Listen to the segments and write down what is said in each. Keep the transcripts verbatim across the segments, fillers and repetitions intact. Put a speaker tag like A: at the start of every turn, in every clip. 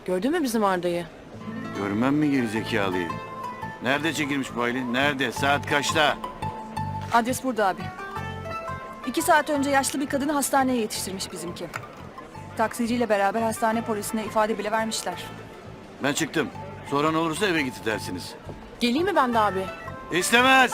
A: Gördün mü bizim Arda'yı?
B: Görmem mi gerizekalıyı? Nerede çekilmiş bu Aylin? Nerede? Saat kaçta?
C: Adres burada abi. İki saat önce yaşlı bir kadını hastaneye yetiştirmiş bizimki. Taksiciyle beraber hastane polisine ifade bile vermişler.
B: Ben çıktım. Soran olursa eve gitti dersiniz.
A: Geleyim mi ben de abi?
B: İstemez.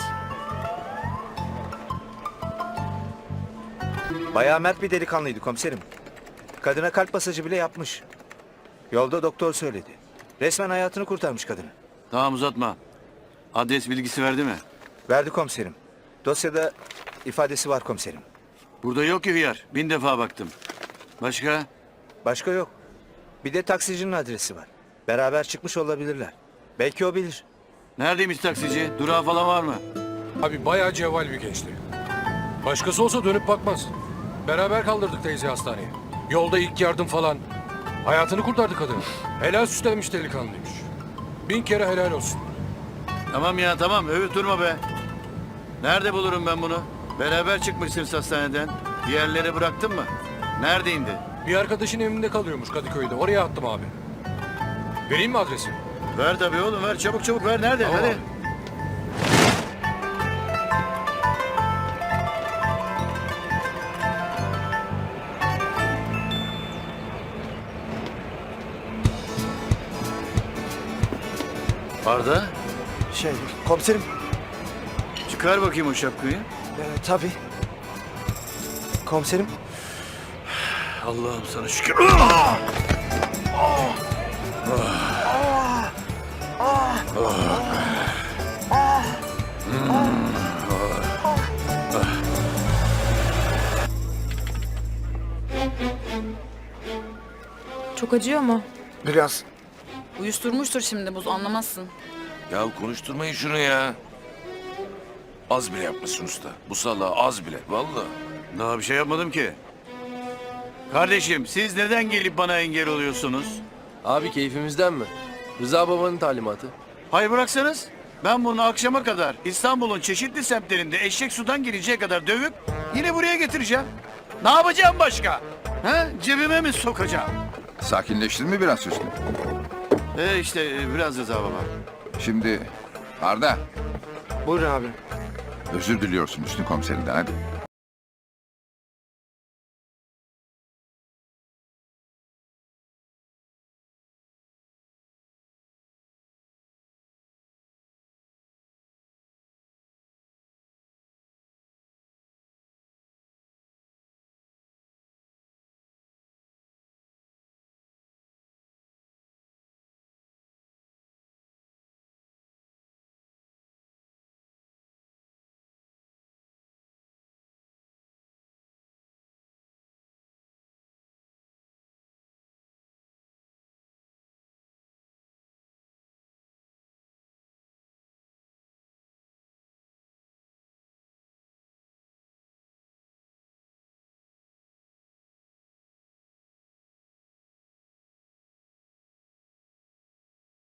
D: Bayağı mert bir delikanlıydı komiserim. Kadına kalp masajı bile yapmış. Yolda doktor söyledi. Resmen hayatını kurtarmış kadını.
B: Tamam uzatma. Adres bilgisi verdi mi?
D: Verdi komiserim. Dosyada ifadesi var komiserim.
B: Burada yok ki hıyar. Bin defa baktım. Başka?
D: Başka yok. Bir de taksicinin adresi var. Beraber çıkmış olabilirler. Belki o bilir.
B: Neredeymiş taksici? Durağı falan var mı?
E: Abi bayağı cevval bir gençti. Başkası olsa dönüp bakmaz. Beraber kaldırdık teyze hastaneye. Yolda ilk yardım falan. Hayatını kurtardı kadın. Helal süslenmiş delikanlıymış. Bin kere helal olsun.
B: Tamam ya tamam. Övüp durma be. Nerede bulurum ben bunu? Beraber çıkmışsınız hastaneden. Diğerleri bıraktın mı? Nerede indi?
E: Bir arkadaşın evinde kalıyormuş Kadıköy'de. Oraya attım abi. Vereyim mi adresi?
B: Ver tabii oğlum ver. Çabuk çabuk ver. Nerede?
E: Tamam
B: Hadi.
E: abi.
B: Arda.
D: Şey komiserim.
B: Çıkar bakayım o şapkayı.
D: E, tabii. Komiserim.
B: Allah'ım sana şükür.
C: Çok acıyor mu?
D: Biraz.
C: Uyuşturmuştur şimdi buz, anlamazsın.
F: Ya konuşturmayın şunu ya. Az bile yapmışsın usta. Bu salağı az bile. Vallahi.
B: Daha bir şey yapmadım ki. Kardeşim siz neden gelip bana engel oluyorsunuz?
G: Abi keyfimizden mi? Rıza babanın talimatı.
B: Hayır bıraksanız. Ben bunu akşama kadar İstanbul'un çeşitli semtlerinde eşek sudan geleceği kadar dövüp yine buraya getireceğim. Ne yapacağım başka? He? Cebime mi sokacağım?
H: Sakinleştin mi biraz Hüsnü?
B: E işte e, biraz Rıza baba.
H: Şimdi Arda
D: Buyurun abi.
H: özür diliyorsun Hüsnü komiserinden hadi.